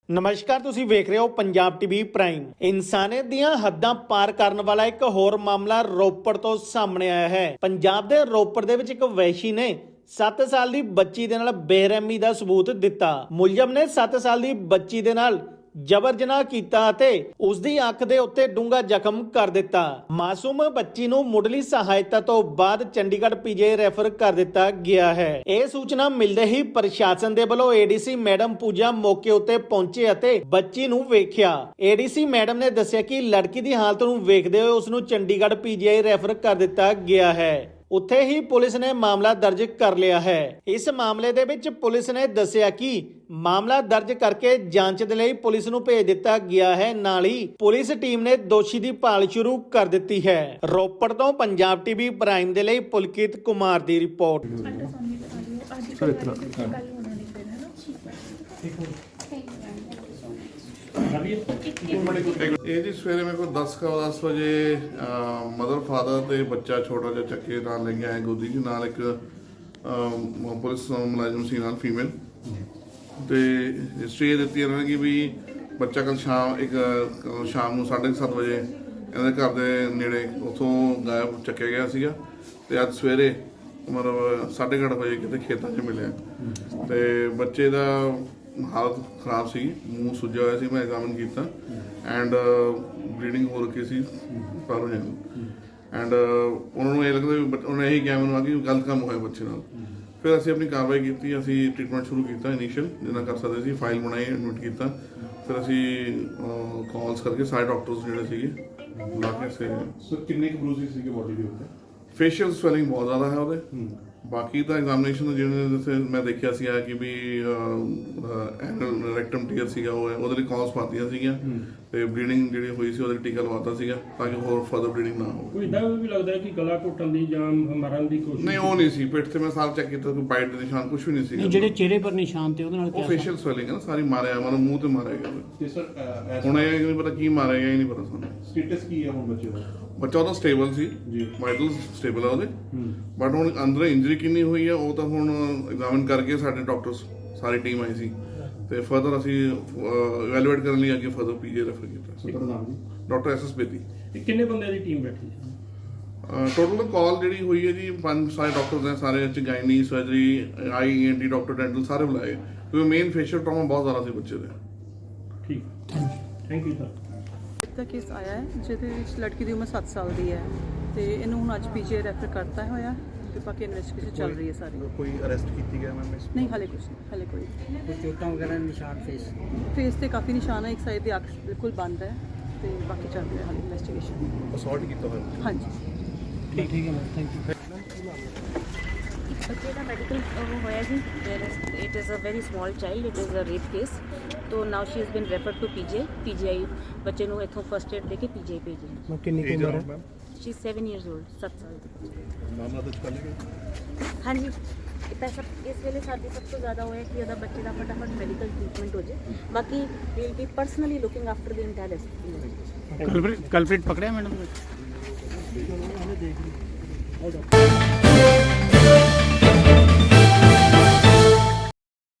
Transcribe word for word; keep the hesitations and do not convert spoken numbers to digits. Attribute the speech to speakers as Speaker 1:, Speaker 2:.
Speaker 1: ਨਮਸਕਾਰ, ਤੁਸੀਂ ਵੇਖ ਰਹੇ ਹੋ ਪੰਜਾਬ ਟੀਵੀ ਪ੍ਰਾਈਮ। ਇਨਸਾਨੀਅਤ ਦੀਆਂ ਹੱਦਾਂ ਪਾਰ ਕਰਨ ਵਾਲਾ ਇੱਕ ਹੋਰ ਮਾਮਲਾ ਰੋਪੜ ਤੋਂ ਸਾਹਮਣੇ ਆਇਆ ਹੈ। ਪੰਜਾਬ ਦੇ ਰੋਪੜ ਦੇ ਵਿੱਚ ਇੱਕ ਵੈਸ਼ੀ ਨੇ ਸੱਤ ਸਾਲ ਦੀ ਬੱਚੀ ਦੇ ਨਾਲ ਬੇਰਹਿਮੀ ਦਾ ਸਬੂਤ ਦਿੱਤਾ। ਮੁਲਜ਼ਮ ਨੇ ਸੱਤ ਸਾਲ ਦੀ ਬੱਚੀ ਦੇ ਨਾਲ ਜਬਰ ਜਨਾਹ ਕੀਤਾ ਅਤੇ ਉਸ ਦੀ ਅੱਖ ਦੇ ਉੱਤੇ ਡੂੰਘਾ ਜ਼ਖਮ ਕਰ ਦਿੱਤਾ। ਮਾਸੂਮ ਬੱਚੀ ਨੂੰ ਮੁੱਢਲੀ ਸਹਾਇਤਾ ਤੋਂ ਬਾਅਦ ਚੰਡੀਗੜ੍ਹ ਪੀਜੀ ਰੈਫਰ ਕਰ ਦਿੱਤਾ ਗਿਆ ਹੈ। ਇਹ ਸੂਚਨਾ ਮਿਲਦੇ ਹੀ ਪ੍ਰਸ਼ਾਸਨ ਦੇ ਵੱਲੋਂ ਏਡੀਸੀ ਮੈਡਮ ਪੂਜਾ ਮੌਕੇ ਉੱਤੇ ਪਹੁੰਚੇ ਅਤੇ ਬੱਚੀ ਨੂੰ ਵੇਖਿਆ। ਏਡੀਸੀ ਮੈਡਮ ਨੇ ਦੱਸਿਆ ਕਿ ਲੜਕੀ ਦੀ ਹਾਲਤ ਨੂੰ ਵੇਖਦੇ ਹੋਏ ਉਸ ਨੂੰ ਚੰਡੀਗੜ੍ਹ ਪੀਜੀ ਰੈਫਰ ਕਰ ਦਿੱਤਾ ਗਿਆ ਹੈ। ਉੱਥੇ ਹੀ ਪੁਲਿਸ ਨੇ ਮਾਮਲਾ ਦਰਜ ਕਰ ਲਿਆ ਹੈ। ਇਸ ਮਾਮਲੇ ਦੇ ਵਿੱਚ ਪੁਲਿਸ ਨੇ ਦੱਸਿਆ ਕਿ ਮਾਮਲਾ ਦਰਜ ਕਰਕੇ ਜਾਂਚ ਦੇ ਲਈ ਪੁਲਿਸ ਨੂੰ ਭੇਜ ਦਿੱਤਾ ਗਿਆ ਹੈ। ਨਾਲ ਹੀ ਪੁਲਿਸ ਟੀਮ ਨੇ ਦੋਸ਼ੀ ਦੀ ਭਾਲ ਸ਼ੁਰੂ ਕਰ ਦਿੱਤੀ ਹੈ। ਰੋਪੜ ਤੋਂ ਪੰਜਾਬ ਟੀਵੀ ਪ੍ਰਾਈਮ ਦੇ ਲਈ ਪੁਲਕਿਤ ਕੁਮਾਰ ਦੀ ਰਿਪੋਰਟ।
Speaker 2: ਇਹ ਜੀ ਸਵੇਰੇ ਮੇਰੇ ਕੋਲ ਦਸ ਕੁ ਦਸ ਵਜੇ ਮਦਰ ਫਾਦਰ ਤੇ ਬੱਚਾ ਛੋਟਾ ਜਿਹਾ ਚੱਕੇ ਨਾਲ ਲੈ ਕੇ ਆਏ ਗੋਦੀ ਜੀ ਨਾਲ ਇੱਕ ਪੁਲਿਸ ਮੁਲਾਜ਼ਮ ਸੀ ਨਾਲ ਫੀਮੇਲ ਤੇ ਹਿਸਟਰੀ ਇਹ ਦਿੱਤੀ ਇਹਨਾਂ ਨੇ ਕਿ ਵੀ ਬੱਚਾ ਕੱਲ ਸ਼ਾਮ ਇੱਕ ਸ਼ਾਮ ਨੂੰ ਸਾਢੇ ਸੱਤ ਵਜੇ ਇਹਨਾਂ ਦੇ ਘਰ ਦੇ ਨੇੜੇ ਉੱਥੋਂ ਗਾਇਬ ਚੱਕਿਆ ਗਿਆ ਸੀਗਾ ਤੇ ਅੱਜ ਸਵੇਰੇ ਮਤਲਬ ਸਾਢੇ ਕੁ ਅੱਠ ਵਜੇ ਕਿਤੇ ਖੇਤਾਂ 'ਚ ਮਿਲਿਆ ਤੇ ਬੱਚੇ ਦਾ ਹਾਲਤ ਖਰਾਬ ਸੀ, ਮੂੰਹ ਸੁੱਜਿਆ ਹੋਇਆ ਸੀ। ਮੈਂ ਐਗਜ਼ਾਮਿਨ ਕੀਤਾ ਐਂਡ ਬਲੀਡਿੰਗ ਹੋ ਰੱਖੀ ਸੀ ਪਰ ਹੋ ਜਾਂਦੀ ਐਂਡ ਉਹਨਾਂ ਨੂੰ ਇਹ ਲੱਗਦਾ ਵੀ ਉਹਨੇ ਇਹੀ ਕਿਹਾ ਮੈਨੂੰ ਆ ਕਿ ਗਲਤ ਕੰਮ ਹੋਇਆ ਬੱਚੇ ਨਾਲ। ਫਿਰ ਅਸੀਂ ਆਪਣੀ ਕਾਰਵਾਈ ਕੀਤੀ, ਅਸੀਂ ਟ੍ਰੀਟਮੈਂਟ ਸ਼ੁਰੂ ਕੀਤਾ ਇਨੀਸ਼ੀਅਲ ਜਿੰਨਾ ਕਰ ਸਕਦੇ ਸੀ, ਫਾਈਲ ਬਣਾਈ, ਐਡਮਿਟ ਕੀਤਾ। ਫਿਰ ਅਸੀਂ ਕਾਲਸ ਕਰਕੇ ਸਾਰੇ ਡਾਕਟਰਸ ਜਿਹੜੇ ਸੀਗੇ ਬੁਲਾ ਕੇ ਸੇ
Speaker 3: ਸੋ ਕਿੰਨੇ ਕੁ ਬਰੂਸਿਸ ਸੀਗੇ ਬੋਡੀ ਦੇ ਉੱਤੇ?
Speaker 2: ਫੇਸ਼ੀਅਲ ਸਵੈਲਿੰਗ ਬਹੁਤ ਜ਼ਿਆਦਾ ਹੈ ਉਹਦੇ। ਬਾਕੀ ਤਾਂ ਐਗਜ਼ਾਮੀਨੇਸ਼ਨ ਜਿਹੜੇ ਜਿਵੇਂ ਮੈਂ ਦੇਖਿਆ ਸੀਗਾ ਕਿ ਵੀ ਐਨਲ ਰੈਕਟਮ ਟੀਅਰ ਸੀਗਾ ਉਹ ਉਹਦੇ ਲਈ ਕਾਲਸ ਪਾਤੀਆਂ ਸੀਗੀਆਂ ਤੇ ਬਲੀਡਿੰਗ ਜਿਹੜੀ ਹੋਈ ਸੀ ਉਹਦੇ ਟੀਕਾ ਲਵਾਤਾ ਸੀਗਾ ਤਾਂ ਕਿ ਹੋਰ ਫਰਦਰ ਬਲੀਡਿੰਗ ਨਾ ਹੋਵੇ।
Speaker 4: ਕੋਈ ਇਦਾਂ ਵੀ ਲੱਗਦਾ ਹੈ ਕਿ ਗਲਾ ਘੁੱਟਣ ਦੀ ਜਾਂ ਮਰਨ ਦੀ ਕੋਸ਼ਿਸ਼?
Speaker 2: ਨਹੀਂ, ਉਹ ਨਹੀਂ ਸੀ। ਪਿੱਠ ਤੇ ਮੈਂ ਸਾਰਾ ਚੈੱਕ ਕੀਤਾ, ਕੋਈ ਬਾਈਟ ਦੇ ਨਿਸ਼ਾਨ ਕੁਝ ਵੀ ਨਹੀਂ ਸੀ।
Speaker 5: ਜਿਹੜੇ ਚਿਹਰੇ ਪਰ ਨਿਸ਼ਾਨ ਤੇ ਉਹਦੇ ਨਾਲ
Speaker 2: ਉਹ ਫੇਸ਼ੀਅਲ ਸਵੈਲਿੰਗ ਹੈ ਨਾ, ਸਾਰੀ ਮਾਰਿਆ ਮਨ ਮੂੰਹ ਤੇ ਮਾਰਿਆ ਗਿਆ।
Speaker 3: ਤੇ ਸਰ
Speaker 2: ਹੁਣ ਇਹ ਨਹੀਂ ਪਤਾ ਕੀ ਮਾਰਿਆ ਗਿਆ, ਇਹ ਨਹੀਂ ਪਤਾ ਸਾਨੂੰ।
Speaker 3: ਸਟੇਟਸ ਕੀ ਹੈ ਹੁਣ ਬੱਚੇ ਦਾ?
Speaker 2: ਬੱਚਾ ਉਹਦਾ ਸਟੇਬਲ ਸੀ ਜੀ, ਵਾਈਟਲ ਸਟੇਬਲ ਆ ਉਹਦੇ, ਬਟ ਹੁਣ ਅੰਦਰ ਇੰਜਰੀ ਕਿੰਨੀ ਹੋਈ ਆ ਉਹ ਤਾਂ ਹੁਣ ਐਗਜ਼ਾਮਿਨ ਕਰਕੇ ਸਾਡੇ ਡਾਕਟਰਸ ਸਾਰੀ ਟੀਮ ਆਈ ਸੀ ਤੇ ਫਰਦਰ ਅਸੀਂ ਇਵੈਲੂਏਟ ਕਰਨ ਲਈ ਅੱਗੇ ਫਰਦਰ ਪੀਜੀ ਰੈਫਰ ਕੀਤਾ।
Speaker 3: ਤੁਹਾਡਾ ਨਾਮ ਜੀ?
Speaker 2: Doctor S S Bedi.
Speaker 4: ਕਿੰਨੇ ਬੰਦਿਆਂ ਦੀ ਟੀਮ ਬੈਠੀ ਸੀ?
Speaker 2: ਟੋਟਲ ਕਾਲ ਜਿਹੜੀ ਹੋਈ ਹੈ ਜੀ ਪੰਜ ਸਾਰੇ ਡਾਕਟਰਸ ਨੇ, ਸਾਰੇ ਚ gynae, surgery, E N T doctor, dental ਸਾਰੇ ਬੁਲਾਏ ਕਿਉਂਕਿ ਮੇਨ ਫੇਸ਼ੀਅਲ ਟਰਾਮਾ ਬਹੁਤ ਜ਼ਿਆਦਾ ਸੀ ਬੱਚੇ ਦੇ।
Speaker 4: ਠੀਕ, ਥੈਂਕ ਯੂ ਸਰ।
Speaker 6: ਦਾ ਕੇਸ ਆਇਆ ਹੈ ਜਿਹਦੇ ਵਿੱਚ ਲੜਕੀ ਦੀ ਉਮਰ ਸੱਤ ਸਾਲ ਦੀ ਹੈ ਤੇ ਇਹਨੂੰ ਹੁਣ ਅੱਜ ਪੀਜੀ ਰੈਫਰ ਕਰਤਾ ਹੋਇਆ ਤੇ ਬਾਕੀ ਇਨਵੈਸਟੀਗੇਸ਼ਨ ਚੱਲ ਰਹੀ ਹੈ ਸਾਰੀ।
Speaker 3: ਕੋਈ ਅਰੈਸਟ ਕੀਤੀ ਗਿਆ ਮੈਮ?
Speaker 6: ਨਹੀਂ, ਹਾਲੇ ਕੁਝ ਨਹੀਂ, ਹਾਲੇ ਕੋਈ
Speaker 5: ਕੋਈ ਚੋਟਾਂ ਵਗੈਰਾ ਨਿਸ਼ਾਨ ਫੇਸ
Speaker 6: ਫੇਸ ਤੇ ਕਾਫੀ ਨਿਸ਼ਾਨ ਹੈ, ਇੱਕ ਸਾਈਡ ਦੀ ਅੱਖ ਬਿਲਕੁਲ ਬੰਦ ਹੈ ਤੇ ਬਾਕੀ ਚੱਲ ਰਿਹਾ ਹਾਲੇ ਇਨਵੈਸਟੀਗੇਸ਼ਨ।
Speaker 3: ਅਸੌਲਟ ਕੀਤਾ ਹੋਇਆ?
Speaker 6: ਹਾਂਜੀ
Speaker 5: ਠੀਕ ਠੀਕ ਹੈ ਮੈਮ, ਥੈਂਕ ਯੂ।
Speaker 7: ਬੱਚੇ ਦਾ ਮੈਡੀਕਲ ਹੋਇਆ ਜੀ, it is a very small child, it is a rape case. ਤੋ now she has been referred to PG PGI. ਬੱਚੇ ਨੂੰ ਇੱਥੋਂ ਫਸਟ ਏਡ ਦੇ ਕੇ ਪੀਜੀਆਈ ਭੇਜਿਆ।
Speaker 5: ਮੈਂ ਕਿੰਨੀ ਕੁ ਉਮਰ ਹੈ?
Speaker 7: She is seven years old, ਸੱਤ ਸਾਲ ਦੀ।
Speaker 3: ਮਾਮਲਾ ਦਰਜ ਕਰ ਲਿਆ?
Speaker 7: ਹਾਂਜੀ, ਇਹ ਪੈਸਾ ਇਸ ਵੇਲੇ ਸਾਡੀ ਸਭ ਤੋਂ ਜ਼ਿਆਦਾ ਹੋਇਆ ਕਿ ਉਹਦਾ ਬੱਚੇ ਦਾ ਫਟਾਫਟ ਮੈਡੀਕਲ ਟ੍ਰੀਟਮੈਂਟ ਹੋ ਜਾਏ। ਬਾਕੀ we will be personally looking after the entire investigation.
Speaker 5: Culprit ਪਕੜਿਆ ਮੈਡਮ?